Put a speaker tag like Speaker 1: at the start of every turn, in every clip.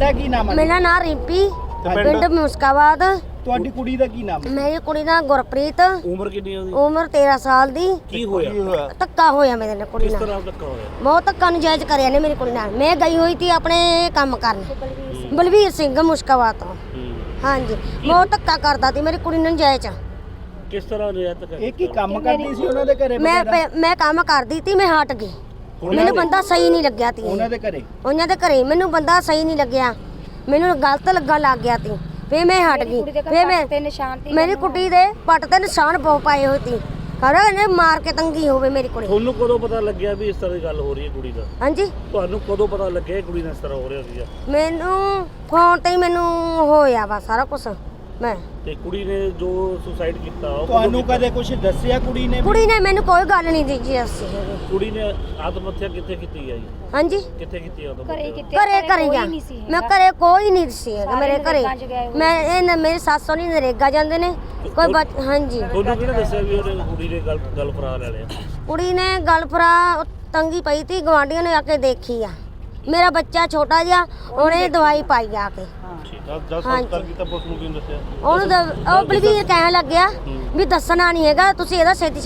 Speaker 1: ਤੁਹਾਡਾ ਕੀ ਨਾਮ ਹੈ?
Speaker 2: ਮੇਰਾ ਨਾਮ ਰਿੰਪੀ, ਪਿੰਡ ਮੁਸਕਾਬਾਦ।
Speaker 1: ਤੁਹਾਡੀ ਕੁੜੀ ਦਾ ਕੀ ਨਾਮ ਹੈ?
Speaker 2: ਮੇਰੀ ਕੁੜੀ ਦਾ ਗੁਰਪ੍ਰੀਤ।
Speaker 3: ਉਮਰ ਕਿੰਨੀ ਹੈ ਉਹਦੀ?
Speaker 2: ਉਮਰ 13 ਸਾਲ ਦੀ।
Speaker 3: ਕੀ ਹੋਇਆ?
Speaker 2: ਧੱਕਾ ਹੋਇਆ ਮੇਰੇ ਨਾਲ ਕੁੜੀ
Speaker 3: ਕਿਸ
Speaker 2: ਨਾਲ।
Speaker 3: ਤਰ੍ਹਾਂ ਧੱਕਾ ਹੋਇਆ?
Speaker 2: ਬਹੁਤ ਧੱਕਾ ਨਜਾਇਜ਼ ਕਰਿਆ ਨੇ ਮੇਰੀ ਕੁੜੀ ਨਾਲ। ਮੈਂ ਗਈ ਹੋਈ ਸੀ ਆਪਣੇ ਕੰਮ ਕਰਨ, ਬਲਵੀਰ ਸਿੰਘ ਮੁਸਕਾਬਾਦ ਤੋਂ। ਹਾਂਜੀ, ਬਹੁਤ ਧੱਕਾ ਕਰਦਾ ਸੀ ਮੇਰੀ ਕੁੜੀ ਨੂੰ ਨਜਾਇਜ਼।
Speaker 3: ਕਿਸ ਤਰ੍ਹਾਂ ਰਿਆਇਤ ਕਰ?
Speaker 1: ਇਹ ਕੀ ਕੰਮ ਕਰਦੀ ਸੀ ਉਹਨਾਂ ਦੇ ਘਰੇ?
Speaker 2: ਮੈਂ ਕੰਮ ਕਰਦੀ ਸੀ, ਮੈਂ ਹਟ ਗਈ। ਮੈਨੂੰ ਬੰਦਾ ਸਹੀ ਨਹੀਂ ਲੱਗਿਆ ਤੀ।
Speaker 1: ਉਹਨਾਂ ਦੇ ਘਰੇ?
Speaker 2: ਉਹਨਾਂ ਦੇ ਘਰੇ ਮੈਨੂੰ ਬੰਦਾ ਸਹੀ ਨਹੀਂ ਲੱਗਿਆ, ਮੈਨੂੰ ਗਲਤ ਲੱਗਣ ਲੱਗ ਗਿਆ ਤੀ। ਫੇ ਮੈਂ ਹਟ ਗਈ। ਫੇ ਮੇਰੀ ਕੁੜੀ ਦੇ ਪੱਟ ਤੇ ਨਿਸ਼ਾਨ ਬਹੁਤ ਪਾਏ ਹੋਏ ਸੀ। ਖੜਾ ਇਹਨੇ ਮਾਰ ਕੇ ਤੰਗੀ ਹੋਵੇ ਮੇਰੀ ਕੁੜੀ।
Speaker 3: ਤੁਹਾਨੂੰ ਕਦੋਂ ਪਤਾ ਲੱਗਿਆ ਵੀ ਇਸ ਤਰ੍ਹਾਂ ਦੀ ਗੱਲ ਹੋ ਰਹੀ ਹੈ ਕੁੜੀ ਦਾ?
Speaker 2: ਹਾਂਜੀ,
Speaker 3: ਤੁਹਾਨੂੰ ਕਦੋਂ ਪਤਾ ਲੱਗਿਆ ਕੁੜੀ ਨਾਲ ਇਸ ਤਰ੍ਹਾਂ ਹੋ ਰਿਹਾ ਸੀਗਾ?
Speaker 2: ਮੈਨੂੰ ਫੋਨ ਤੇ ਹੀ ਮੈਨੂੰ ਹੋਇਆ ਵਾ ਸਾਰਾ ਕੁਝ। ਮੈਂ
Speaker 3: ਤੇ ਕੁੜੀ ਨੇ ਜੋ ਸੁਸਾਈਡ ਕੀਤਾ ਉਹ
Speaker 1: ਤੁਹਾਨੂੰ ਕਦੇ ਕੁਝ ਦੱਸਿਆ ਕੁੜੀ ਨੇ?
Speaker 2: ਕੁੜੀ ਨੇ ਮੈਨੂੰ ਕੋਈ ਗੱਲ ਨਹੀਂ ਦਿੱਤੀ। ਅਸੀਂ
Speaker 3: ਕੁੜੀ ਨੇ ਆਤਮ ਹੱਤਿਆ ਕਿੱਥੇ ਕੀਤੀ ਹੈ ਜੀ?
Speaker 2: ਹਾਂਜੀ,
Speaker 3: ਕਿੱਥੇ ਕੀਤੀ ਆਤਮ
Speaker 2: ਘਰੇ ਗਿਆ। ਮੈਂ ਘਰੇ ਕੋਈ ਨਹੀਂ ਸੀ ਹੈਗਾ ਮੇਰੇ ਘਰੇ। ਮੈਂ ਇਹ ਮੇਰੀ ਸੱਸ ਸੋਨੀ ਨਰੇਗਾ ਜਾਂਦੇ ਨੇ ਕੋਈ ਹਾਂਜੀ।
Speaker 3: ਤੁਹਾਨੂੰ ਕਿਹਨੇ ਦੱਸਿਆ ਵੀ ਉਹਨੇ ਕੁੜੀ ਨੇ ਗੱਲ ਫਰਾ ਲੈ ਲਿਆ?
Speaker 2: ਕੁੜੀ ਨੇ ਗੱਲ ਫਰਾ ਤੰਗੀ ਪਈ ਤੀ, ਗਵਾਂਢੀਆਂ ਨੇ ਆ ਕੇ ਦੇਖੀ ਆ। ਮੇਰਾ ਬੱਚਾ ਛੋਟਾ ਜਿਹਾ, ਉਹਨੇ ਦਵਾਈ ਪਾਈ ਆ ਕੇ।
Speaker 3: ਜਦ ਸੰਸਕਾਰ ਕੀਤਾ ਪੁਲਿਸ ਨੂੰ ਕਿਉਂ ਦੱਸਿਆ?
Speaker 2: ਉਹਨੂੰ ਉਹ ਬਲਵੀਰ ਕਹਿਣ ਲੱਗਿਆ ਵੀ ਦੱਸਣਾ ਨਹੀਂ ਹੈਗਾ, ਤੁਸੀਂ ਇਹਦਾ ਛੇਤੀ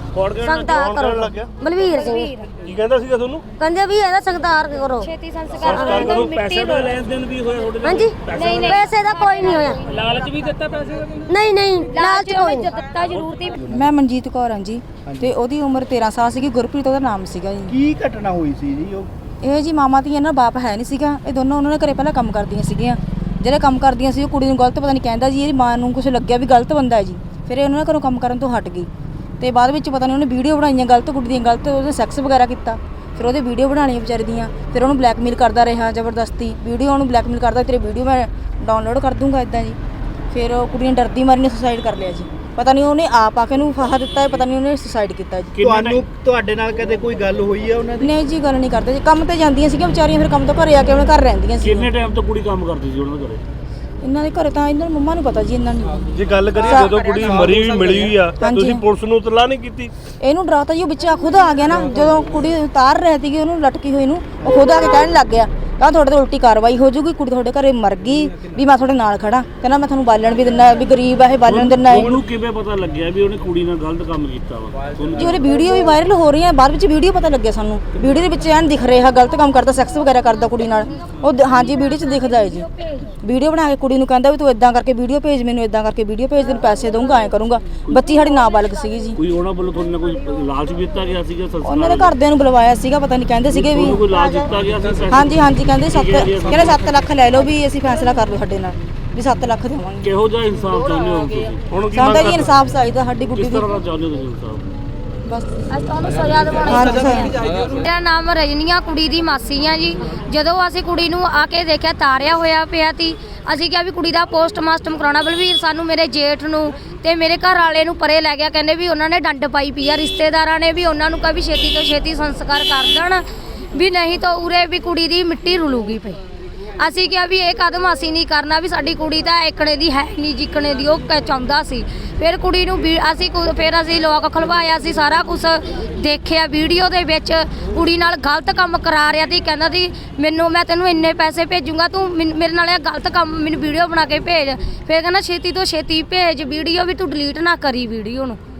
Speaker 2: ਸੰਸਕਾਰ ਕਰੋ। ਬਲਵੀਰ ਸਿੰਘ
Speaker 3: ਕੀ ਕਹਿੰਦਾ ਸੀਗਾ ਤੁਹਾਨੂੰ?
Speaker 2: ਕਹਿੰਦੇ ਵੀ ਇਹਦਾ ਸੰਸਕਾਰ ਕਰੋ,
Speaker 4: ਛੇਤੀ
Speaker 3: ਸੰਸਕਾਰ ਕਰੋ। ਪੈਸੇ ਦਾ ਲੈਣ ਦੇਣ ਵੀ ਹੋਇਆ ਤੁਹਾਡੇ ਨਾਲ?
Speaker 2: ਹਾਂਜੀ, ਪੈਸੇ ਦਾ ਕੋਈ ਨਹੀਂ ਹੋਇਆ।
Speaker 3: ਲਾਲਚ ਵੀ ਦਿੱਤਾ ਪੈਸੇ ਦਾ?
Speaker 2: ਨਹੀਂ ਲਾਲਚ ਕੋਈ ਨਹੀਂ
Speaker 4: ਦਿੱਤਾ ਜ਼ਰੂਰ ਤੀ।
Speaker 5: ਮੈਂ ਮਨਜੀਤ ਕੌਰ ਹਾਂ ਜੀ, ਤੇ ਉਹਦੀ ਉਮਰ 13 ਸਾਲ ਸੀਗੀ। ਗੁਰਪ੍ਰੀਤ ਉਹਦਾ ਨਾਮ ਸੀਗਾ ਜੀ।
Speaker 1: ਕੀ ਘਟਨਾ ਹੋਈ ਸੀ ਜੀ?
Speaker 5: ਇਹ ਜੀ ਮਾਮਾ ਧੀ ਇਹਨਾਂ ਬਾਪ ਹੈ ਨਹੀਂ ਸੀਗਾ। ਇਹ ਦੋਨੋਂ ਉਹਨਾਂ ਨੇ ਘਰੇ ਪਹਿਲਾਂ ਕੰਮ ਕਰਦੀਆਂ ਸੀਗੀਆਂ। ਜਿਹੜੇ ਕੰਮ ਕਰਦੀਆਂ ਸੀ ਉਹ ਕੁੜੀ ਨੂੰ ਗਲਤ ਪਤਾ ਨਹੀਂ ਕਹਿੰਦਾ ਜੀ, ਇਹਦੀ ਮਾਂ ਨੂੰ ਕੁਝ ਲੱਗਿਆ ਵੀ ਗਲਤ ਬੰਦਾ ਹੈ ਜੀ। ਫਿਰ ਇਹ ਉਹਨਾਂ ਨੇ ਘਰੋਂ ਕੰਮ ਕਰਨ ਤੋਂ ਹਟ ਗਈ, ਤੇ ਬਾਅਦ ਵਿੱਚ ਪਤਾ ਨਹੀਂ ਉਹਨੇ ਵੀਡੀਓ ਬਣਾਈਆਂ ਗਲਤ ਕੁੜੀ ਦੀਆਂ, ਗਲਤ ਉਹਦੇ ਸੈਕਸ ਵਗੈਰਾ ਕੀਤਾ। ਫਿਰ ਉਹਦੇ ਵੀਡੀਓ ਬਣਾਉਣੀਆਂ ਵਿਚਾਰੀ ਦੀਆਂ। ਫਿਰ ਉਹਨੂੰ ਬਲੈਕਮੇਲ ਕਰਦਾ ਰਿਹਾ ਜ਼ਬਰਦਸਤੀ। ਵੀਡੀਓ ਉਹਨੂੰ ਬਲੈਕਮੇਲ ਕਰਦਾ, ਤੇਰੇ ਵੀਡੀਓ ਮੈਂ ਡਾਊਨਲੋਡ ਕਰ ਦੂੰਗਾ ਇੱਦਾਂ ਜੀ। ਫਿਰ ਉਹ ਕੁੜੀ ਨੇ ਡਰਦੀ ਮਾਰੀ ਨੇ ਸੁਸਾਈਡ ਕਰ ਲਿਆ ਜੀ। ਪਤਾ ਨਹੀਂ ਉਹਨੇ ਆਪ ਆ ਕੇ ਨੂੰ ਫਾਹਾ ਦਿੱਤਾ ਹੈ, ਪਤਾ ਨਹੀਂ ਉਹਨੇ ਸੁਸਾਈਡ ਕੀਤਾ ਜੀ।
Speaker 1: ਤੁਹਾਡੇ ਨਾਲ ਕਦੇ ਕੋਈ ਗੱਲ ਹੋਈ ਹੈ ਉਹਨਾਂ ਦੀ?
Speaker 5: ਨਹੀਂ ਜੀ, ਗੱਲ ਨਹੀਂ ਕਰਦੇ ਜੀ। ਕੰਮ ਤੇ ਜਾਂਦੀਆਂ ਸੀਗੀਆਂ ਵਿਚਾਰੀਆਂ, ਫਿਰ ਕੰਮ ਤੋਂ ਘਰੇ ਆ ਕੇ ਉਹਨਾਂ ਘਰ ਰਹਿੰਦੀਆਂ ਸੀ।
Speaker 3: ਕਿੰਨੇ ਟਾਈਮ ਤੋਂ ਕੁੜੀ ਕੰਮ ਕਰਦੀ ਸੀ ਉਹਨਾਂ ਦੇ ਘਰੇ?
Speaker 5: ਇਹਨਾਂ ਦੇ ਘਰੇ ਤਾਂ ਇਹਨਾਂ ਦੀ ਮੰਮਾ ਨੂੰ ਪਤਾ ਜੀ। ਇਹਨਾਂ ਨੂੰ
Speaker 6: ਜੇ ਗੱਲ ਕਰੀਏ ਜਦੋਂ ਕੁੜੀ ਮਰੀ ਵੀ ਮਿਲੀ ਹੋਈ ਆ, ਤੁਸੀਂ ਪੁਲਿਸ ਨੂੰ ਇਤਲਾਹ ਨਹੀਂ ਕੀਤੀ?
Speaker 5: ਇਹਨੂੰ ਡਰਾਤਾ ਜੀ। ਉਹ ਬੱਚਾ ਖੁਦ ਆ ਗਿਆ ਨਾ, ਜਦੋਂ ਕੁੜੀ ਉਤਾਰ ਰਹੀ ਸੀਗੀ ਉਹਨੂੰ ਲਟਕੀ ਹੋਈ ਨੂੰ, ਉਹ ਖੁਦ ਆ ਕੇ ਕਹਿਣ ਲੱਗ ਗਿਆ ਤਾਂ ਤੁਹਾਡੇ ਤੇ ਉਲਟੀ ਕਾਰਵਾਈ ਹੋ ਜਾਊਗੀ, ਕੁੜੀ ਤੁਹਾਡੇ ਘਰੇ ਮਰ ਗਈ, ਵੀ ਮੈਂ ਤੁਹਾਡੇ ਨਾਲ ਖੜਾ। ਕਹਿੰਦਾ ਮੈਂ ਤੁਹਾਨੂੰ ਬਾਲਣ ਵੀ ਦਿੰਦਾ, ਵੀ ਗਰੀਬ ਆ ਇਹ, ਬਾਲਣ ਦਿੰਦਾ।
Speaker 3: ਉਹਨੂੰ ਕਿਵੇਂ ਪਤਾ ਲੱਗਿਆ ਵੀ ਉਹਨੇ ਕੁੜੀ ਨਾਲ ਗਲਤ ਕੰਮ ਕੀਤਾ ਵਾ?
Speaker 5: ਜੀ ਉਹਦੀ ਵੀਡੀਓ ਵੀ ਵਾਇਰਲ ਹੋ ਰਹੀ ਹੈ, ਬਾਅਦ ਵਿੱਚ ਵੀਡੀਓ ਪਤਾ ਲੱਗਿਆ ਸਾਨੂੰ। ਵੀਡੀਓ ਦੇ ਵਿੱਚ ਐਨ ਦਿਖ ਰਿਹਾ ਗਲਤ ਕੰਮ ਕਰਦਾ, ਸੈਕਸ ਵਗੈਰਾ ਕਰਦਾ ਕੁੜੀ ਨਾਲ। ਉਹ ਹਾਂਜੀ ਵੀਡੀਓ 'ਚ ਦਿਖਦਾ ਹੈ ਜੀ। ਵੀਡੀਓ ਬਣਾ ਕੇ ਕੁੜੀ ਨੂੰ ਕਹਿੰਦਾ ਵੀ ਤੂੰ ਇਦਾਂ ਕਰਕੇ ਵੀਡੀਓ ਭੇਜ, ਮੈਨੂੰ ਇਦਾਂ ਕਰਕੇ ਵੀਡੀਓ ਭੇਜ, ਤੈਨੂੰ ਪੈਸੇ ਦਊਂਗਾ, ਐਂ ਕਰੂੰਗਾ। ਬੱਚੀ ਸਾਡੀ ਨਾਬਾਲਗ ਸੀਗੀ ਜੀ।
Speaker 3: ਕੋਈ ਉਹਨਾਂ ਵੱਲੋਂ ਤੁਹਾਨੂੰ ਕੋਈ ਲਾਲਚ ਵੀ ਦਿੱਤਾ ਗਿਆ ਸੀਗਾ?
Speaker 5: ਉਹਨਾਂ ਦੇ ਘਰਦਿਆਂ ਨੂੰ ਬੁਲਵਾਇਆ ਸੀਗਾ, ਪਤਾ ਨਹੀਂ ਕਹਿੰਦੇ ਸੀਗੇ ਵੀ
Speaker 3: ਕੋਈ ਲਾਲਚ ਦਿੱਤਾ ਗਿਆ ਸੀ?
Speaker 5: ਹਾਂਜੀ ਕਹਿੰਦੇ 7 ਲੱਖ ਲੈ ਲਓ, ਵੀ ਅਸੀਂ ਫੈਸਲਾ ਕਰ ਲਓ ਸਾਡੇ ਨਾਲ, ਵੀ 7 ਲੱਖ ਦੇਵਾਂਗੇ।
Speaker 3: ਕਿਹੋ ਜਿਹਾ ਇਨਸਾਫ ਚਾਹੁੰਦੇ ਹੋ ਤੁਸੀਂ?
Speaker 6: ਹੁਣ ਕੀ
Speaker 5: ਸਾਡਾ ਜੀ ਇਨਸਾਫ ਚਾਹੀਦਾ ਸਾਡੀ ਗੁੱਡੀ
Speaker 3: ਕਿਸ
Speaker 5: ਦੀ।
Speaker 3: ਤਰ੍ਹਾਂ ਦਾ ਚਾਹੁੰਦੇ ਹੋ ਤੁਸੀਂ ਇਨਸਾਫ?
Speaker 5: ਬਸ
Speaker 2: ਤੁਹਾਨੂੰ ਸਜ਼ਾ ਦਿਵਾਉਣੀ।
Speaker 4: ਮੇਰਾ ਨਾਮ ਰਜਨੀਆ, ਕੁੜੀ ਦੀ ਮਾਸੀ ਆ ਜੀ। ਜਦੋਂ ਅਸੀਂ ਕੁੜੀ ਨੂੰ ਆ ਕੇ ਦੇਖਿਆ ਤਾਰਿਆ ਹੋਇਆ ਪਿਆ ਤੀ, ਅਸੀਂ ਕਿਹਾ ਵੀ ਕੁੜੀ ਦਾ ਪੋਸਟਮਾਸਟਰ ਕਰਾਉਣਾ। ਬਲਵੀਰ ਸਾਨੂੰ ਮੇਰੇ ਜੇਠ ਨੂੰ ਤੇ ਮੇਰੇ ਘਰ ਵਾਲੇ ਨੂੰ ਪਰੇ ਲੈ ਗਿਆ, ਕਹਿੰਦੇ ਵੀ ਉਹਨਾਂ ਨੇ ਡੰਡ ਪਾਈ ਪਈ ਆ। ਰਿਸ਼ਤੇਦਾਰਾਂ ਨੇ ਵੀ ਉਹਨਾਂ ਨੂੰ ਕਿਹਾ ਵੀ ਛੇਤੀ ਤੋਂ ਛੇਤੀ ਸੰਸਕਾਰ ਕਰ ਦੇਣ, ਵੀ ਨਹੀਂ ਤਾਂ ਉਰੇ ਵੀ ਕੁੜੀ ਦੀ ਮਿੱਟੀ ਰੁਲੂਗੀ ਪਈ। ਅਸੀਂ ਕਿਹਾ ਵੀ ਇਹ ਕਦਮ ਅਸੀਂ ਨਹੀਂ ਕਰਨਾ, ਵੀ ਸਾਡੀ ਕੁੜੀ ਤਾਂ ਏਕਣੇ ਦੀ ਹੈ ਨਹੀਂ ਜਿੱਕਣੇ ਦੀ ਉਹ ਚਾਹੁੰਦਾ ਸੀ। ਫਿਰ ਕੁੜੀ ਨੂੰ ਅਸੀਂ ਲੋਕ ਖਲਵਾਇਆ ਸੀ, ਸਾਰਾ ਕੁਝ ਦੇਖਿਆ ਵੀਡੀਓ ਦੇ ਵਿੱਚ। ਕੁੜੀ ਨਾਲ ਗਲਤ ਕੰਮ ਕਰਾ ਰਿਹਾ ਸੀ, ਕਹਿੰਦਾ ਸੀ ਮੈਂ ਤੈਨੂੰ ਇੰਨੇ ਪੈਸੇ ਭੇਜੂੰਗਾ, ਤੂੰ ਮੇਰੇ ਨਾਲ ਇਹ ਗਲਤ ਕੰਮ ਮੈਨੂੰ ਵੀਡੀਓ ਬਣਾ ਕੇ ਭੇਜ। ਫਿਰ ਕਹਿੰਦਾ ਛੇਤੀ ਤੋਂ ਛੇਤੀ ਭੇਜ ਵੀਡੀਓ, ਵੀ ਤੂੰ ਡਿਲੀਟ ਨਾ ਕਰੀ ਵੀਡੀਓ ਨੂੰ।